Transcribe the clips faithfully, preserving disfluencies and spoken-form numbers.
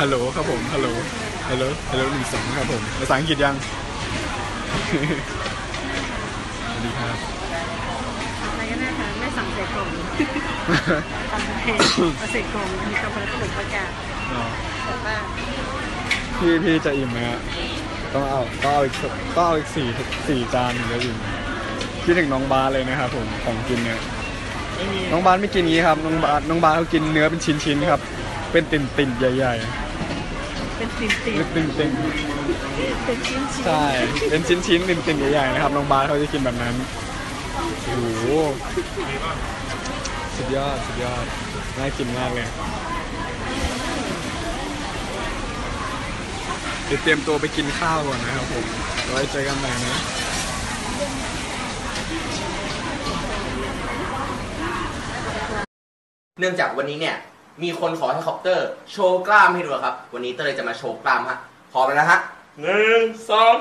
ฮัลโหลครับผมฮัลโหลฮัลโหลฮัลโหลหนึ่งสองครับผมภาษาอังกฤษยังสวัสดีครับอะไรก็ได้ค่ะไม่สั่งใส่กล่องทำให้เอาใส่กล่องมีกาแฟขนมประกาศแต่ว่าพี่พี่จะอิ่มไหมฮะต้องเอาต้องเอาอีกต้องเอาอีกสี่สี่จานถึงจะอิ่มคิดถึงน้องบาสเลยนะครับผมของกินเนี่ยน้องบาสไม่กินงี้ครับน้องบาสน้องบาสเขากินเนื้อเป็นชิ้นๆครับเป็นติ่นติ่นใหญ่ๆเป็นติ่นติ่นเป็นติ่นติ่นเป็นชิ้นชิ้นใช่เป็นชิ้นชิ้นติ่นติ่นใหญ่ๆนะครับน้องบาสเขาจะกินแบบนั้นโอ้โหสุดยอดสุดยอดน่ากินมากเลยเดี๋ยวเตรียมตัวไปกินข้าวก่อนนะครับผมไว้เจอกันใหม่นะเนื่องจากวันนี้เนี่ยมีคนขอให้คอปเตอร์โชว์กล้ามให้ดูครับวันนี้เตอร์เลยจะมาโชว์กล้ามฮะพร้อมแล้วนะฮะหนึ่งสอง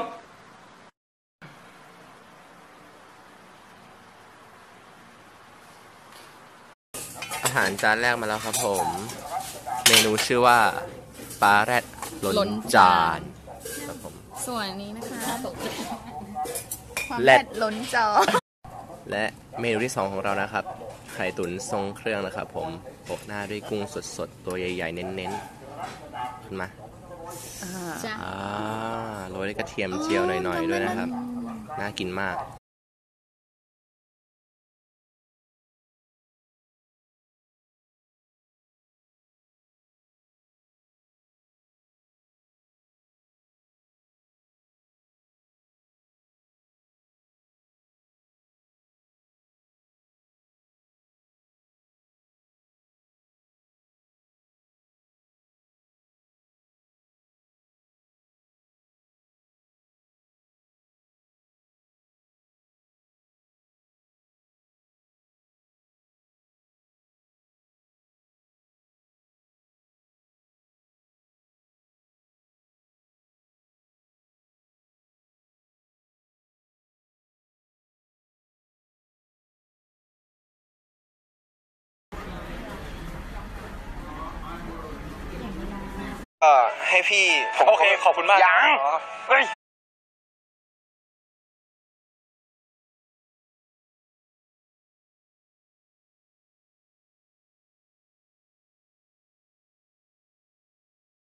อาหารจานแรกมาแล้วครับผมเมนูชื่อว่าปลาแรดล้นจานครับผมส่วนนี้นะคะความแรแรดดล้นจอและเมนูที่สองของเรานะครับไข่ตุ๋นทรงเครื่องนะครับผมโปะหน้าด้วยกุ้งสดๆตัวใหญ่ๆเน้นๆขึ้นมาจ้าอ่าโรยด้วยกระเทียมเจียวหน่อยๆด้วยนะครับน่ากินมากก็ให้พี่โอเคขอบคุณมากยังเฮ้ย